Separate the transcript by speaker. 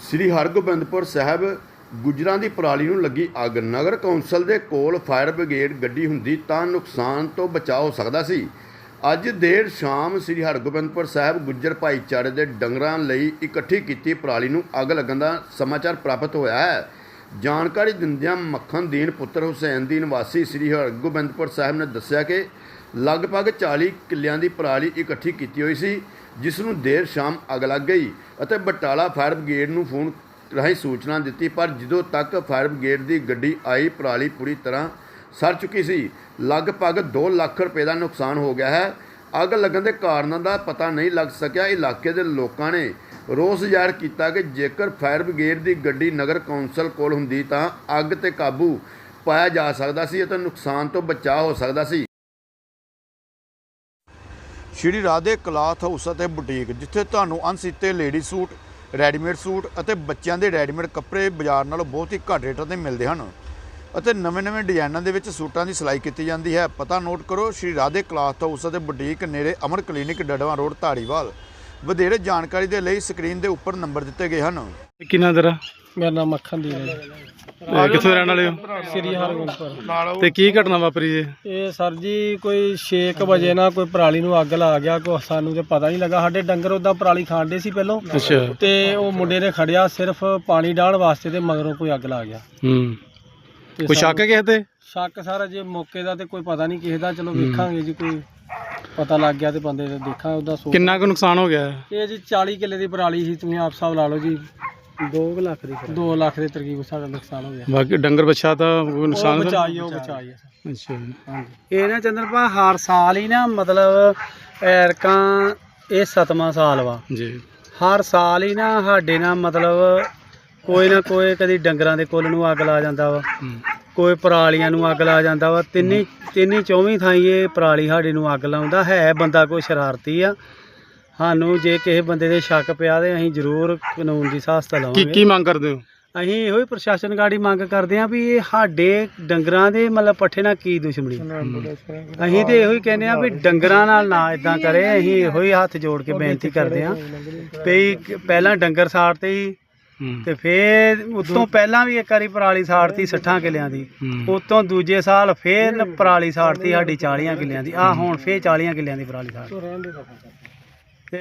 Speaker 1: ਸ੍ਰੀ ਹਰਗੋਬਿੰਦਪੁਰ ਸਾਹਿਬ ਗੁੱਜਰਾਂ ਦੀ ਪਰਾਲੀ ਨੂੰ ਲੱਗੀ ਅੱਗ। ਨਗਰ ਕੌਂਸਲ ਦੇ ਕੋਲ ਫਾਇਰ ਬ੍ਰਿਗੇਡ ਗੱਡੀ ਹੁੰਦੀ ਤਾਂ ਨੁਕਸਾਨ ਤੋਂ ਬਚਾਅ ਹੋ ਸਕਦਾ ਸੀ। ਅੱਜ ਦੇਰ ਸ਼ਾਮ ਸ੍ਰੀ ਹਰਗੋਬਿੰਦਪੁਰ ਸਾਹਿਬ ਗੁੱਜਰ ਭਾਈਚਾਰੇ ਦੇ ਡੰਗਰਾਂ ਲਈ ਇਕੱਠੀ ਕੀਤੀ ਪਰਾਲੀ ਨੂੰ ਅੱਗ ਲੱਗਣ ਦਾ ਸਮਾਚਾਰ ਪ੍ਰਾਪਤ ਹੋਇਆ ਹੈ। ਜਾਣਕਾਰੀ ਦਿੰਦਿਆਂ ਮੱਖਣਦੀਨ ਪੁੱਤਰ ਹੁਸੈਨ ਦੀਨ ਵਾਸੀ ਸ੍ਰੀ ਹਰਗੋਬਿੰਦਪੁਰ ਸਾਹਿਬ ਨੇ ਦੱਸਿਆ ਕਿ ਲਗਭਗ 40 ਕਿੱਲਿਆਂ ਦੀ ਪਰਾਲੀ ਇਕੱਠੀ ਕੀਤੀ ਹੋਈ ਸੀ, ਜਿਸ ਨੂੰ ਦੇਰ ਸ਼ਾਮ ਅੱਗ ਲੱਗ ਗਈ ਅਤੇ ਬਟਾਲਾ ਫਾਇਰ ਬ੍ਰਿਗੇਡ ਨੂੰ ਫੋਨ ਰਾਹੀਂ ਸੂਚਨਾ ਦਿੱਤੀ, ਪਰ ਜਦੋਂ ਤੱਕ ਫਾਇਰ ਬ੍ਰਿਗੇਡ ਦੀ ਗੱਡੀ ਆਈ ਪਰਾਲੀ ਪੂਰੀ ਤਰ੍ਹਾਂ ਸੜ ਚੁੱਕੀ ਸੀ। ਲਗਭਗ 2 ਲੱਖ ਰੁਪਏ ਦਾ ਨੁਕਸਾਨ ਹੋ ਗਿਆ ਹੈ। ਅੱਗ ਲੱਗਣ ਦੇ ਕਾਰਨਾਂ ਦਾ ਪਤਾ ਨਹੀਂ ਲੱਗ ਸਕਿਆ। ਇਲਾਕੇ ਦੇ ਲੋਕਾਂ ਨੇ ਰੋਸ ਜ਼ਾਹਿਰ ਕੀਤਾ ਕਿ ਜੇਕਰ ਫਾਇਰ ਬ੍ਰਿਗੇਡ ਦੀ ਗੱਡੀ ਨਗਰ ਕੌਂਸਲ ਕੋਲ ਹੁੰਦੀ ਤਾਂ ਅੱਗ 'ਤੇ ਕਾਬੂ ਪਾਇਆ ਜਾ ਸਕਦਾ ਸੀ ਅਤੇ ਨੁਕਸਾਨ ਤੋਂ ਬਚਾਅ ਹੋ ਸਕਦਾ ਸੀ। ਸ਼੍ਰੀ ਰਾਧੇ ਕਲਾਥ ਹਾਊਸ ਅਤੇ ਬੁਟੀਕ, ਜਿੱਥੇ ਤੁਹਾਨੂੰ ਅਣਸੀਤੇ ਲੇਡੀ ਸੂਟ, ਰੈਡੀਮੇਡ ਸੂਟ ਅਤੇ ਬੱਚਿਆਂ ਦੇ ਰੈਡੀਮੇਡ ਕੱਪੜੇ ਬਾਜ਼ਾਰ ਨਾਲੋਂ ਬਹੁਤ ਹੀ ਘੱਟ ਰੇਟਾਂ 'ਤੇ ਮਿਲਦੇ ਹਨ ਅਤੇ ਨਵੇਂ ਡਿਜ਼ਾਈਨਾਂ ਦੇ ਵਿੱਚ ਸੂਟਾਂ ਦੀ ਸਿਲਾਈ ਕੀਤੀ ਜਾਂਦੀ ਹੈ। ਪਤਾ ਨੋਟ ਕਰੋ, ਸ਼੍ਰੀ ਰਾਧੇ ਕਲਾਥ ਹਾਊਸ ਅਤੇ ਬੁਟੀਕ, ਨੇੜੇ ਅਮਰ ਕਲੀਨਿਕ, ਡੜਵਾ ਰੋਡ, ਧਾਰੀਵਾਲ। ਵਧੇਰੇ ਜਾਣਕਾਰੀ ਦੇ ਲਈ ਸਕਰੀਨ ਦੇ ਉੱਪਰ ਨੰਬਰ ਦਿੱਤੇ ਗਏ ਹਨ।
Speaker 2: ਕਿੰਨਾ ਤੇਰਾ?
Speaker 3: ਮੇਰਾ ਨਾਮ ਮੱਖਣਦੀਨ ਹੈ।
Speaker 2: ਕਿੱਥੋਂ ਰਹਿਣ ਵਾਲੇ ਹੋ?
Speaker 3: ਸ੍ਰੀ ਹਰਗੋਬਿੰਦਪੁਰ।
Speaker 2: ਤੇ ਕੀ ਘਟਨਾ ਵਾਪਰੀ ਜੀ?
Speaker 3: ਇਹ ਸਰ ਜੀ ਕੋਈ 6 ਵਜੇ ਨਾ ਕੋਈ ਪਰਾਲੀ ਨੂੰ ਅੱਗ ਲਾ ਗਿਆ। ਕੋਈ ਸਾਨੂੰ ਤੇ ਪਤਾ ਨਹੀਂ ਲੱਗਾ। ਸਾਡੇ ਡੰਗਰ ਉਦਾਂ ਪਰਾਲੀ ਖਾਂਦੇ ਸੀ ਪਹਿਲੋਂ।
Speaker 2: ਅੱਛਾ।
Speaker 3: ਤੇ ਉਹ ਮੁੰਡੇ ਨੇ ਖੜਿਆ ਸਿਰਫ ਪਾਣੀ ਡਾਹਣ ਵਾਸਤੇ ਤੇ ਮਗਰੋਂ ਕੋਈ ਅੱਗ ਲਾ ਗਿਆ। ਤੇ
Speaker 2: ਕੋਈ ਸ਼ੱਕ ਹੈ ਕਿਸੇ ਤੇ?
Speaker 3: ਸ਼ੱਕ ਸਾਰਾ ਜੇ ਮੌਕੇ ਦਾ ਤੇ ਕੋਈ ਪਤਾ ਨਹੀਂ ਕਿਸੇ ਦਾ। ਚਲੋ ਵੇਖਾਂਗੇ ਜੀ, ਕੋਈ ਪਤਾ ਲੱਗ ਗਿਆ ਤੇ ਬੰਦੇ ਦੇ ਦੇਖਾਂ ਉਹਦਾ।
Speaker 2: ਕਿੰਨਾ ਕੁ ਨੁਕਸਾਨ ਹੋ ਗਿਆ?
Speaker 3: ਇਹ ਜੀ 40 ਕਿੱਲੇ ਦੀ ਪਰਾਲੀ ਸੀ। ਤੁਸੀਂ ਆਪ ਹਿਸਾਬ ਲਾ ਲਓ ਜੀ। 2 ਲੱਖ ਦੇ ਤਕਰੀਬ ਸਾਡਾ ਨੁਕਸਾਨ ਹੋ ਗਿਆ।
Speaker 2: ਬਾਕੀ ਡੰਗਰ ਬੱਚਾ ਤਾਂ ਕੋਈ ਨੁਕਸਾਨ
Speaker 3: ਬਚਾਈ
Speaker 2: ਅੱਛਾ।
Speaker 3: ਇਹ ਨਾ ਚੰਦਰਪਾ ਹਰ ਸਾਲ ਹੀ ਨਾ ਮਤਲਬ ਐਰਕਾਂ ਇਹ 7ਵਾਂ ਸਾਲ ਵਾ
Speaker 2: ਜੀ। ਹਰ
Speaker 3: ਸਾਲ ਹੀ ਨਾ ਸਾਡੇ ਨਾਲ ਮਤਲਬ ਕੋਈ ਨਾ ਕੋਈ ਕਦੀ ਡੰਗਰਾਂ ਦੇ ਕੁੱਲ ਨੂੰ ਅੱਗ ਲਾ ਜਾਂਦਾ ਵਾ, ਕੋਈ ਪਰਾਲੀਆਂ ਨੂੰ ਅੱਗ ਲਾ ਜਾਂਦਾ ਵਾ। ਤਿੰਨੀ 24 ਥਾਈਂ ਇਹ ਪਰਾਲੀ ਸਾਡੇ ਨੂੰ ਅੱਗ ਲਾਉਂਦਾ ਹੈ। ਬੰਦਾ ਕੋਈ ਸ਼ਰਾਰਤੀ ਆ। ਸਾਨੂੰ ਜੇ ਕਿਸੇ ਬੰਦੇ ਦੇ ਸ਼ੱਕ ਪਿਆ ਤੇ ਅਸੀਂ ਜ਼ਰੂਰ ਕਾਨੂੰਨ ਦੀ ਸਹਾਇਤਾ ਲਵਾਂਗੇ।
Speaker 2: ਕੀ ਮੰਗ ਕਰਦੇ ਹੋ?
Speaker 3: ਅਸੀਂ ਇਹੋ ਹੀ ਪ੍ਰਸ਼ਾਸਨ ਗਾੜੀ ਮੰਗ ਕਰਦੇ ਹਾਂ ਵੀ ਇਹ ਸਾਡੇ ਡੰਗਰਾਂ ਦੇ ਮਤਲਬ ਪੱਠੇ ਨਾਲ ਕੀ ਦੁਸ਼ਮਣੀ। ਅਸੀਂ ਤੇ ਇਹੋ ਹੀ ਕਹਿੰਦੇ ਹਾਂ ਵੀ ਡੰਗਰਾਂ ਨਾਲ ਨਾ ਇਦਾਂ ਕਰੇ। ਅਸੀਂ ਇਹੋ ਹੀ ਹੱਥ ਜੋੜ ਕੇ ਬੇਨਤੀ ਕਰਦੇ ਹਾਂ ਵੀ ਪਹਿਲਾਂ ਡੰਗਰ ਸਾੜਤੇ ਸੀ ਤੇ ਫਿਰ ਉਤੋਂ ਪਹਿਲਾਂ ਵੀ ਇੱਕ ਵਾਰੀ ਪਰਾਲੀ ਸਾੜਤੀ 60 ਕਿੱਲਿਆਂ ਦੀ। ਉਤੋਂ ਦੂਜੇ ਸਾਲ ਫਿਰ ਪਰਾਲੀ ਸਾੜਤੀ ਸਾਡੀ 40 ਕਿੱਲਿਆਂ ਦੀ। ਹੁਣ ਫਿਰ 40 ਕਿੱਲਿਆਂ ਦੀ ਪਰਾਲੀ ਸਾੜ।